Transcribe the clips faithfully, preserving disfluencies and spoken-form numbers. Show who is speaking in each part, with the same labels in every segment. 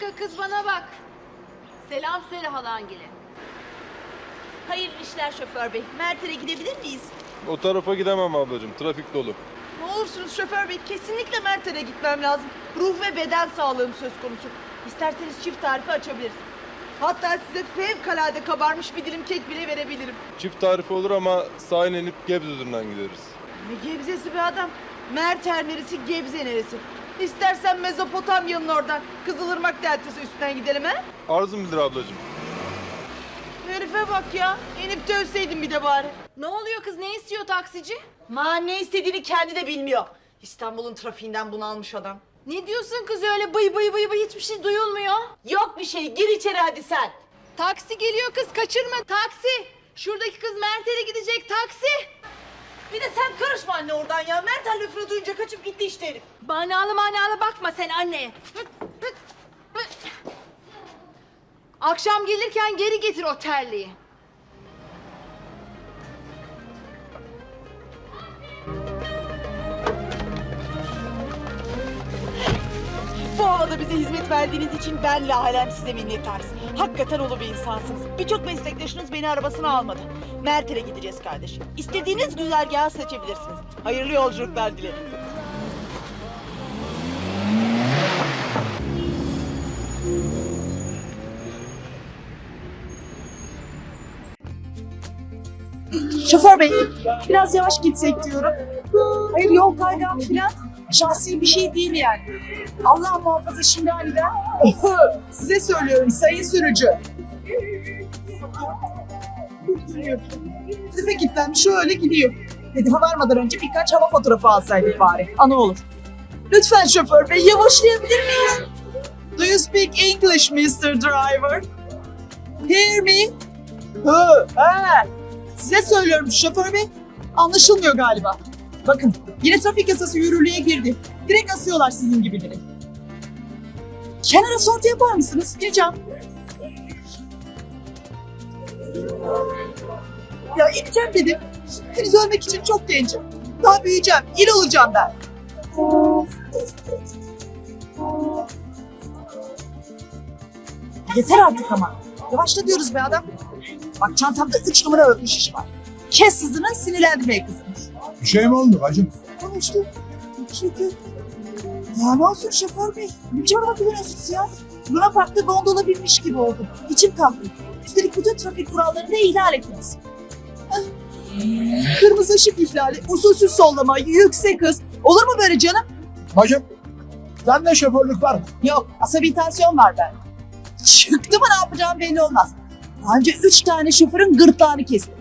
Speaker 1: kız bana bak. Selam söyle halangile.
Speaker 2: Hayırlı işler şoför bey. Mert'e gidebilir miyiz?
Speaker 3: O tarafa gidemem ablacığım. Trafik dolu.
Speaker 2: Ne olursunuz şoför bey. Kesinlikle Mert'e gitmem lazım. Ruh ve beden sağlığım söz konusu. İsterseniz çift tarifi açabiliriz. Hatta size fevkalade kabarmış bir dilim kek bile verebilirim.
Speaker 3: Çift tarifi olur ama sahil inip Gebze üzerinden gideriz.
Speaker 2: Ne Gebze'si be adam. Merter neresi, Gebze neresi? İstersen Mezopotamya'nın oradan Kızılırmak deltası üstünden gidelim he?
Speaker 3: Arzum bilir ablacığım.
Speaker 2: Herife bak ya. İnip dövseydin bir de bari.
Speaker 1: Ne oluyor kız, ne istiyor taksici?
Speaker 2: Ma ne istediğini kendi de bilmiyor. İstanbul'un trafiğinden bunalmış adam.
Speaker 1: Ne diyorsun kız öyle bıy bıy bıy bıy, hiçbir şey duyulmuyor.
Speaker 2: Yok bir şey, gir içeri hadi sen.
Speaker 1: Taksi geliyor kız, kaçırma taksi. Şuradaki kız Mert'e gidecek, taksi.
Speaker 2: Bir de sen karışma anne oradan ya. Mertel lafını duyunca kaçıp gitti işte herif.
Speaker 1: Manalı manalı bakma sen anneye. Akşam gelirken geri getir o terliği.
Speaker 2: Bu havada bize hizmet verdiğiniz için ben Lahalem size minnettarız. Hakikaten ulu bir insansınız. Birçok meslektaşınız beni arabasına almadı. Mertel'e gideceğiz kardeşim. İstediğiniz güzergahı seçebilirsiniz. Hayırlı yolculuklar dilerim.
Speaker 4: Şoför bey, biraz yavaş gitsek diyorum. Hayır, yol kaygan filan şahsi bir şey değil yani. Allah muhafaza şimdi aniden. Size söylüyorum sayın sürücü. Size kilitlenmiş şöyle gidiyor. Hedefe varmadan önce birkaç hava fotoğrafı alsaydık bari. Ana olur. Lütfen şoför bey yavaşlayabilir miyiz? Do you speak English mister Driver? Hear me? Hı, ha. Size söylüyorum şoför bey. Anlaşılmıyor galiba. Bakın yine trafik yasası yürürlüğe girdi. Direkt asıyorlar sizin gibileri. Kenara sortu yapar mısınız? Gireceğim. Ya ineceğim dedim. Henüz ölmek için çok gencim. Daha büyüyeceğim. İl olacağım ben. Yeter artık ama. Yavaşla diyoruz be adam. Bak çantamda üç numara örtmüş iş var. Kes hızını, sinirlendirmeye kızım.
Speaker 5: Bir şey mi oldu bacım?
Speaker 4: Konuştum. Çünkü... Ya ne olsun şoför bey? Ne biçim araba kullanıyorsunuz ya? Luna Park'ta gondola binmiş gibi oldum. İçim kalktı. Üstelik bütün trafik kurallarını da ihlal ettiniz. Ah. Kırmızı ışık ihlali, usulsüz sollama, yüksek hız. Olur mu böyle canım?
Speaker 5: Bacım, sende şoförlük var mı?
Speaker 4: Yok, asabitasyon var ben. Çıktı mı ne yapacağım belli olmaz. Daha önce üç tane şoförün gırtlağını kestim.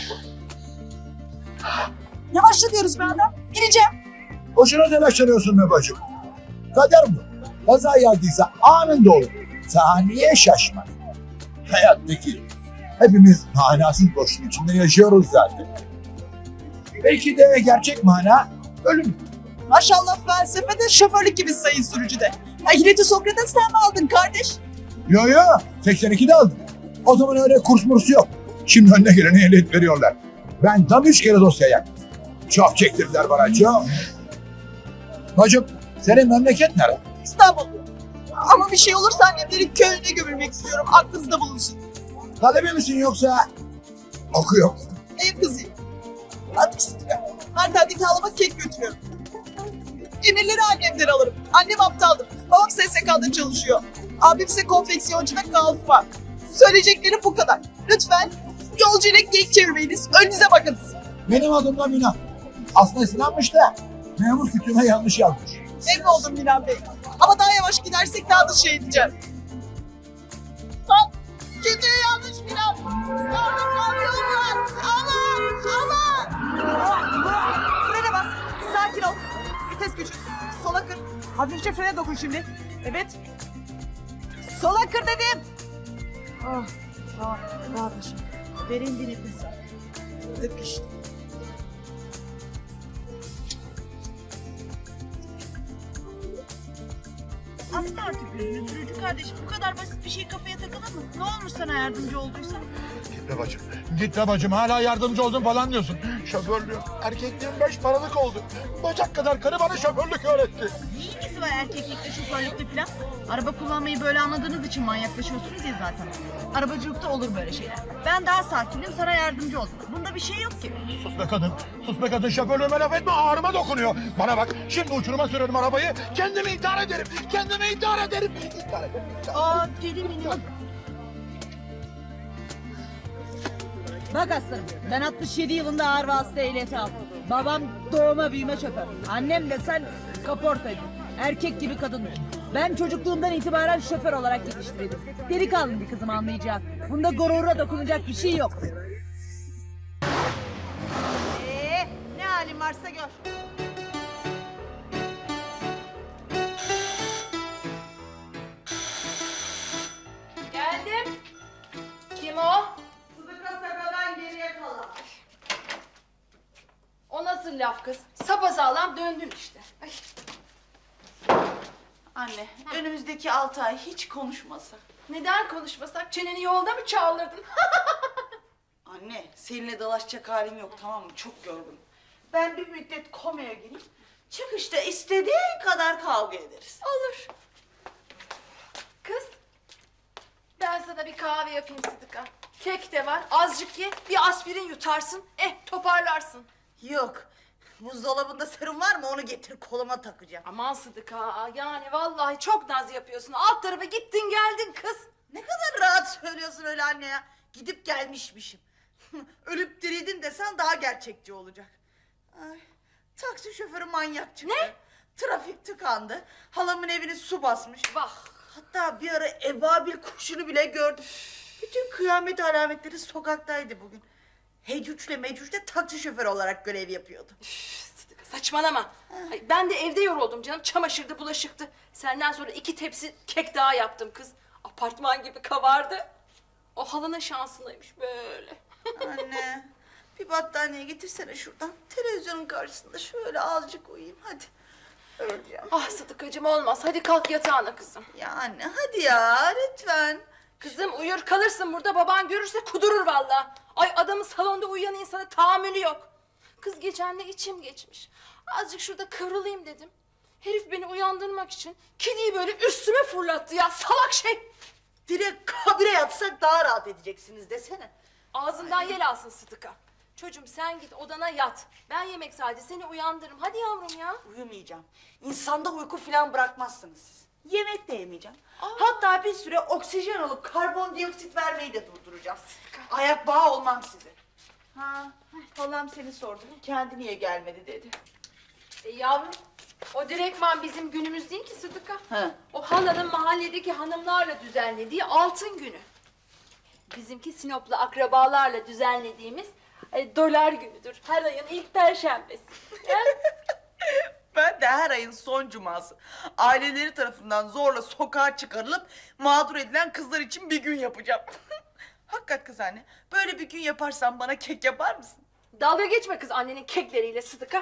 Speaker 4: Yavaşla diyoruz be adam. İneceğim.
Speaker 5: Boşuna telaşlanıyorsun be bacım. Kader bu. Kaza geldiyse anında olur. Saniye şaşma. Hayattaki hepimiz manasız boşluğun içinde yaşıyoruz zaten. Belki de gerçek mana ölüm.
Speaker 4: Maşallah felsefede şoförlük gibi sayın sürücü de. Ehliyeti Sokrates'ten mi aldın kardeş?
Speaker 5: Yo yo, seksen ikide aldım. O zaman öyle kurs murs yok. Şimdi önüne gelene ehliyet veriyorlar. Ben tam üç kere dosya yaktım. Çok çektirdiler bana, çok. Bacım, senin memleket nere?
Speaker 4: İstanbul. Ama bir şey olursa annemlerin köyüne gömülmek istiyorum. Aklınızda bulunsun.
Speaker 5: Talebe misin yoksa okuyor musun?
Speaker 4: Ev kızıyım. Artık sıkıntı. Antalya'daki halama kek götürüyorum. Emirleri annemden alırım. Annem aptaldır. Babam S S K'da çalışıyor. Abim ise konfeksiyoncu ve kalfa. Söyleyeceklerim bu kadar. Lütfen yolcuyla geyik çevirmeyiniz. Önünüze bakınız.
Speaker 5: Benim adım da Minan. Aslında Sinan'mış da memur kütüğüme yanlış yazmış.
Speaker 4: Emin oldum Milan Bey. Ama daha yavaş gidersek daha da şey edeceğim. Lan kütüğü yanlış Milan. Orada kamyon var. Aman aman. Frene bas. Sakin ol. Vites küçük. Sola kır. Hafifçe frene dokun şimdi. Evet. Sola kır dedim. Oh, tamam. Rahatla şimdi. Derin bir nefes al. Tık işte. Asma artık yüzünü. Sürücü
Speaker 2: kardeşim bu kadar basit bir şey kafaya takılır mı? Ne olmuş sana yardımcı olduysa?
Speaker 5: Git be bacım. Git be bacım. Hala yardımcı oldun falan diyorsun. Şoförlüğüm, erkekliğim beş paralık oldu. Bacak kadar karı bana şoförlük öğretti.
Speaker 2: Ne ilgisi var erkeklikle şoförlükle falan? Araba kullanmayı böyle anladığınız için manyaklaşıyorsunuz ya zaten. Arabacılıkta olur böyle şeyler. Ben daha sakinim, sana yardımcı oldum. Bunda bir şey yok ki.
Speaker 5: Sus be kadın. Sus be kadın. Şoförlüğüme laf etme. Ağrıma dokunuyor. Bana bak. Şimdi uçuruma sürerim arabayı. Kendimi intihar ederim. Kendimi intihar ederim. İntihar ederim.
Speaker 2: Aa deli minyon. Bak aslanım, ben altmış yedi yılında ağır vasıta ehliyeti aldım. Babam doğma büyüme şoför. Annem de sen kaportacı. Erkek gibi kadın. Ben çocukluğumdan itibaren şoför olarak yetiştirildim. Delikanlı bir kızım anlayacağım. Bunda gurura dokunacak bir şey yok. Ee, ne halin varsa gör.
Speaker 1: Geldim. Kim o?
Speaker 2: Sıdıka sakadan geriye kalan.
Speaker 1: O nasıl laf kız? Sapasağlam döndün işte. Ay.
Speaker 4: Anne, önümüzdeki altı ay hiç konuşmasak.
Speaker 1: Neden konuşmasak? Çeneni yolda mı çağırdın?
Speaker 4: Anne, seninle dalaşacak halim yok, tamam mı? Çok yorgunum. Ben bir müddet komaya gireyim. Çıkışta istediğin kadar kavga ederiz.
Speaker 1: Olur. Kız, ben sana bir kahve yapayım Sıdıka. Kek de var, azıcık ye, bir aspirin yutarsın, eh toparlarsın.
Speaker 4: Yok. Buzdolabında serum var mı? Onu getir, koluma takacağım.
Speaker 1: Aman Sıdıka, yani vallahi çok naz yapıyorsun. Alt tarafa gittin geldin kız.
Speaker 4: Ne kadar rahat söylüyorsun öyle anne ya. Gidip gelmişmişim. Ölüp dirildin desen daha gerçekçi olacak. Ay, taksi şoförü manyak çıktı.
Speaker 1: Ne?
Speaker 4: Trafik tıkandı. Halamın evini su basmış.
Speaker 1: Bak.
Speaker 4: Hatta bir ara ebabil kuşunu bile gördüm. Bütün kıyamet alametleri sokaktaydı bugün. Hecüc'le Mecüc de taksi şoförü olarak görev yapıyordu.
Speaker 1: Üf, Sıdıka, saçmalama. Ay, ben de evde yoruldum canım, çamaşırdı, bulaşıktı. Senden sonra iki tepsi kek daha yaptım kız. Apartman gibi kabardı. O halının şansındaymış böyle.
Speaker 4: Anne, bir battaniye getirsene şuradan. Televizyonun karşısında şöyle azıcık uyuyayım hadi. Öleceğim.
Speaker 1: Ah Sıdıkacığım olmaz, hadi kalk yatağına kızım.
Speaker 4: Ya anne hadi ya lütfen.
Speaker 1: Kızım uyur kalırsın burada, baban görürse kudurur vallahi. Ay adamın salonda uyuyan insana tahammülü yok. Kız geçen de içim geçmiş. Azıcık şurada kıvrılayım dedim. Herif beni uyandırmak için kediyi böyle üstüme fırlattı ya, salak şey.
Speaker 4: Direkt kabire yatsak daha rahat edeceksiniz desene.
Speaker 1: Ağzından yel alsın Sıdıka. Çocuğum sen git odana yat. Ben yemek sadece seni uyandırırım. Hadi yavrum ya.
Speaker 4: Uyumayacağım. İnsanda uyku falan bırakmazsınız siz. Yemek de yemeyeceğim. Hatta bir süre oksijen alıp karbondioksit vermeyi de durduracağım. Ayak bağı olmam size. Ha, halam seni sordu. Kendi niye gelmedi dedi.
Speaker 1: E yavrum, o direktman bizim günümüz değil ki Sıdıka.
Speaker 4: He.
Speaker 1: O halanın mahalledeki hanımlarla düzenlediği altın günü. Bizimki Sinoplu akrabalarla düzenlediğimiz e, dolar günüdür. Her ayın ilk perşembesi. Ya?
Speaker 4: Ben de her ayın son cuması aileleri tarafından zorla sokağa çıkarılıp mağdur edilen kızlar için bir gün yapacağım. Hakikat kız anne, böyle bir gün yaparsan bana kek yapar mısın?
Speaker 1: Dalga geçme kız annenin kekleriyle Sıdıka.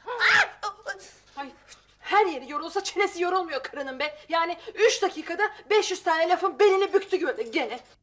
Speaker 1: Ay, her yeri yorulsa çenesi yorulmuyor karının be. Yani üç dakikada beş yüz tane lafın belini büktü gö- gene.